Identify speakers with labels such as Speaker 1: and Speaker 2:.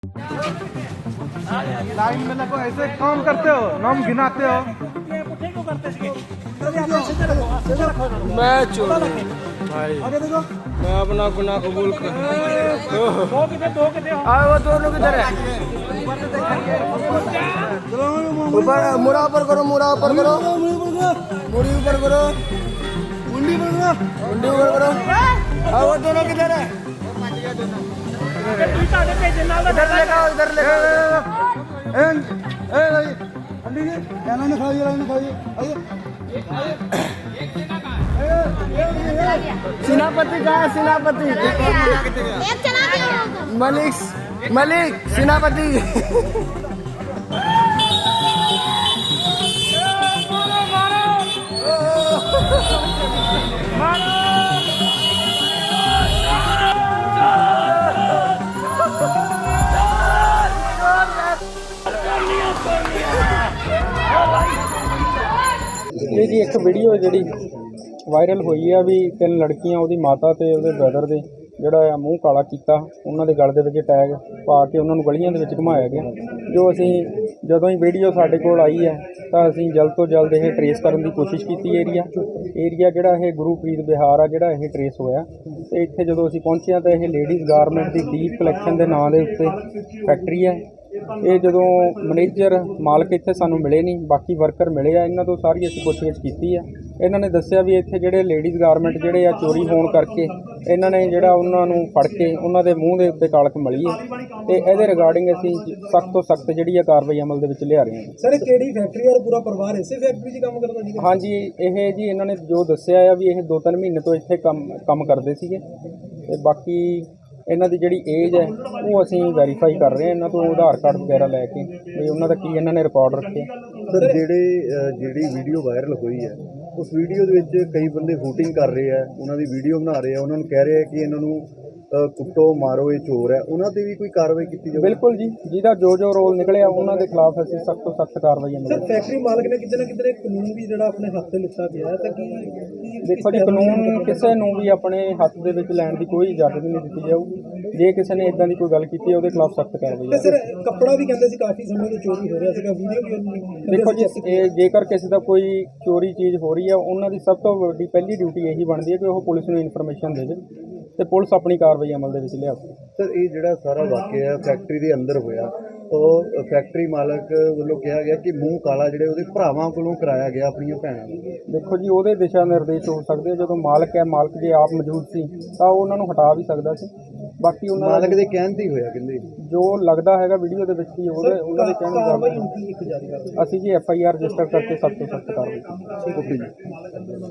Speaker 1: Line में लगो, ऐसे काम करते हो, नाम गिनाते हो।
Speaker 2: मैं चोर भाई, मैं अपना गुनाह कबूल कर। वो दोनों किधर है? ऊपर मुड़ा ऊपर करो, मुड़ा ऊपर करो, मुड़ी ऊपर करो, मुंडी ऊपर करो। वो दोनों किधर है? इधर लेगा, इधर लेगा। सेनापति कहाँ है? सेनापति मलिक सेनापति।
Speaker 3: ਇਹ ਜੀ ਇੱਕ ਵੀਡੀਓ ਜਿਹੜੀ ਵਾਇਰਲ ਹੋਈ ਆ ਵੀ ਤਿੰਨ ਲੜਕੀਆਂ ਉਹਦੀ ਮਾਤਾ ਤੇ ਉਹਦੇ ਬ੍ਰਦਰ ਦੇ ਜਿਹੜਾ ਆ ਮੂੰਹ ਕਾਲਾ ਕੀਤਾ, ਉਹਨਾਂ ਦੇ ਗਲ ਦੇ ਵਿੱਚ ਟੈਗ ਪਾ ਕੇ ਉਹਨਾਂ ਨੂੰ ਗਲੀਆਂ ਦੇ ਵਿੱਚ ਘੁਮਾਇਆ ਗਿਆ। ਜੋ ਅਸੀਂ ਜਦੋਂ ਹੀ ਵੀਡੀਓ ਸਾਡੇ ਕੋਲ ਆਈ ਹੈ ਤਾਂ ਅਸੀਂ ਜਲਦ ਤੋਂ ਜਲਦ ਇਹ ਟਰੇਸ ਕਰਨ ਦੀ ਕੋਸ਼ਿਸ਼ ਕੀਤੀ। ਏਰੀਆ ਜਿਹੜਾ ਇਹ ਗੁਰੂਪ੍ਰੀਤ ਬਿਹਾਰ ਆ ਜਿਹੜਾ ਇਹ ਟਰੇਸ ਹੋਇਆ, ਤੇ ਇੱਥੇ ਜਦੋਂ ਅਸੀਂ ਪਹੁੰਚੇ ਤਾਂ ਇਹ ਲੇਡੀਜ਼ ਗਾਰਮੈਂਟ ਦੀ ਦੀਪ ਕਲੈਕਸ਼ਨ ਦੇ ਨਾਂ ਦੇ ਉੱਤੇ ਫੈਕਟਰੀ ਹੈ। ਇਹ ਜਦੋਂ ਮੈਨੇਜਰ ਮਾਲਕ ਇੱਥੇ ਸਾਨੂੰ ਮਿਲੇ ਨਹੀਂ, ਬਾਕੀ ਵਰਕਰ ਮਿਲੇ ਆ, ਇਹਨਾਂ ਤੋਂ ਸਾਰੀ ਅਸੀਂ ਪੁੱਛਗਿੱਛ ਕੀਤੀ ਹੈ। ਇਹਨਾਂ ਨੇ ਦੱਸਿਆ ਵੀ ਇੱਥੇ ਜਿਹੜੇ ਲੇਡੀਜ਼ ਗਾਰਮੈਂਟ ਜਿਹੜੇ ਆ ਚੋਰੀ ਹੋਣ ਕਰਕੇ ਇਹਨਾਂ ਨੇ ਜਿਹੜਾ ਉਹਨਾਂ ਨੂੰ ਫੜ ਕੇ ਉਹਨਾਂ ਦੇ ਮੂੰਹ ਦੇ ਉੱਤੇ ਕਾਲਕ ਮਲੀ ਹੈ, ਤੇ ਇਹਦੇ ਰਿਗਾਰਡਿੰਗ ਅਸੀਂ ਸਖਤ ਤੋਂ ਸਖਤ ਜਿਹੜੀ ਆ ਕਾਰਵਾਈ ਅਮਲ ਦੇ ਵਿੱਚ ਲਿਆ ਰਹੇ ਹਾਂ।
Speaker 1: ਸਰ, ਕਿਹੜੀ ਫੈਕਟਰੀ ਔਰ ਪੂਰਾ ਪਰਿਵਾਰ ਇਸੇ ਫੈਕਟਰੀ 'ਚ ਕੰਮ ਕਰਦਾ ਜੀ?
Speaker 3: ਹਾਂਜੀ, ਇਹ ਜੀ ਇਹਨਾਂ ਨੇ ਜੋ ਦੱਸਿਆ ਆ ਵੀ ਇਹ 2-3 ਮਹੀਨੇ ਤੋਂ ਇੱਥੇ ਕੰਮ ਕਰਦੇ ਸੀਗੇ, ਤੇ ਬਾਕੀ ਇਹਨਾਂ ਦੀ ਜਿਹੜੀ ਏਜ ਹੈ ਉਹ ਅਸੀਂ ਵੈਰੀਫਾਈ ਕਰ ਰਹੇ ਹਾਂ ਇਹਨਾਂ ਤੋਂ ਆਧਾਰ ਕਾਰਡ ਵਗੈਰਾ ਲੈ ਕੇ ਵੀ ਉਹਨਾਂ ਦਾ ਕੀ ਇਹਨਾਂ ਨੇ ਰਿਕਾਰਡ ਰੱਖੇ।
Speaker 4: ਸਰ, ਜਿਹੜੀ ਵੀਡੀਓ ਵਾਇਰਲ ਹੋਈ ਹੈ ਉਸ ਵੀਡੀਓ ਦੇ ਵਿੱਚ ਕਈ ਬੰਦੇ ਵੋਟਿੰਗ ਕਰ ਰਹੇ ਆ, ਉਹਨਾਂ ਦੀ ਵੀਡੀਓ ਬਣਾ ਰਹੇ ਆ, ਉਹਨਾਂ ਨੂੰ ਕਹਿ ਰਹੇ ਆ ਕਿ ਇਹਨਾਂ ਨੂੰ ਕੁੱਟੋ ਮਾਰੋ, ਇਹ ਚੋਰ ਹੈ, ਉਹਨਾਂ ਤੇ ਵੀ ਕੋਈ ਕਾਰਵਾਈ ਕੀਤੀ ਜਾਵੇ?
Speaker 3: ਬਿਲਕੁਲ ਜੀ, ਜਿਹਦਾ ਜੋ ਰੋਲ ਨਿਕਲਿਆ ਉਹਨਾਂ ਦੇ ਖਿਲਾਫ ਅਸੀਂ ਸਖਤ ਤੋਂ ਸਖਤ ਕਾਰਵਾਈ
Speaker 1: ਸਰ, ਫੈਕਟਰੀ ਮਾਲਕ ਨੇ ਕਿਤੇ ਨਾ ਕਿਤੇ ਕਾਨੂੰਨ ਵੀ ਜਿਹੜਾ ਆਪਣੇ ਹੱਥ ਤੇ ਲਿੱਤਾ ਗਿਆ ਹੈ, ਤਾਂ ਕੀ
Speaker 3: ਦੇਖੋ ਜੀ, ਕਾਨੂੰਨ ਕਿਸੇ ਨੂੰ ਵੀ ਆਪਣੇ ਹੱਥ ਦੇ ਵਿੱਚ ਲੈਣ ਦੀ ਕੋਈ ਇਜਾਜ਼ਤ ਨਹੀਂ ਦਿੱਤੀ ਜਾਊ। ਜੇ ਕਿਸੇ ਨੇ ਇਦਾਂ ਦੀ ਕੋਈ ਗੱਲ ਕੀਤੀ ਉਹਦੇ ਖਿਲਾਫ ਸਖਤ ਕਾਰਵਾਈ ਹੈ।
Speaker 1: ਸਰ, ਕੱਪੜਾ ਵੀ ਕਹਿੰਦੇ ਸੀ ਕਾਫੀ ਸਮੇਂ ਤੋਂ ਚੋਰੀ ਹੋ ਰਿਹਾ ਸੀਗਾ, ਵੀਡੀਓ ਵੀ
Speaker 3: ਦੇਖੋ ਜੀ, ਇਹ ਜੇਕਰ ਕਿਸੇ ਦਾ ਕੋਈ ਚੋਰੀ ਚੀਜ਼ ਹੋ ਰਹੀ ਹੈ, ਉਹਨਾਂ ਦੀ ਸਭ ਤੋਂ ਵੱਡੀ ਪਹਿਲੀ ਡਿਊਟੀ ਇਹੀ ਬਣਦੀ ਹੈ ਕਿ ਉਹ ਪੁਲਿਸ ਨੂੰ ਇਨਫੋਰਮੇਸ਼ਨ ਦੇਵੇ ਤੇ ਪੁਲਿਸ ਆਪਣੀ ਕਾਰਵਾਈ ਅਮਲ ਦੇ ਵਿੱਚ ਲਿਆਵੇ।
Speaker 4: ਸਰ, ਇਹ ਜਿਹੜਾ ਸਾਰਾ ਵਾਕਿਆ ਫੈਕਟਰੀ ਦੇ ਅੰਦਰ ਹੋਇਆ, ਉਹ ਫੈਕਟਰੀ ਮਾਲਕ ਵੱਲੋਂ ਕਿਹਾ ਗਿਆ ਕਿ ਮੂੰਹ ਕਾਲਾ ਜਿਹੜੇ ਉਹਦੇ ਭਰਾਵਾਂ ਕੋਲੋਂ ਕਰਾਇਆ ਗਿਆ ਆਪਣੀਆਂ ਭੈਣਾਂ ਨੂੰ।
Speaker 3: ਦੇਖੋ ਜੀ, ਉਹਦੇ ਦਿਸ਼ਾ ਨਿਰਦੇਸ਼ ਹੋ ਸਕਦੇ, ਜਦੋਂ ਮਾਲਕ ਹੈ, ਮਾਲਕ ਜੇ ਆਪ ਮੌਜੂਦ ਸੀ ਤਾਂ ਉਹ ਉਹਨਾਂ ਨੂੰ ਹਟਾ ਵੀ ਸਕਦਾ ਸੀ। ਬਾਕੀ ਉਹਨਾਂ
Speaker 4: ਮਾਲਕ ਦੇ ਕਹਿਣ ਤੇ ਹੀ ਹੋਇਆ, ਕਹਿੰਦੇ
Speaker 3: ਜੋ ਲੱਗਦਾ ਹੈਗਾ ਵੀਡੀਓ ਦੇ ਵਿੱਚ ਹੀ ਉਹਨਾਂ ਦੇ ਕਹਿਣ ਮੁਤਾਬਕ ਅਸੀਂ ਜੀ FIR ਰਜਿਸਟਰ ਕਰਕੇ ਸਭ ਤੋਂ ਸਖਤ ਕਾਰਵਾਈ ਕੀਤੀ।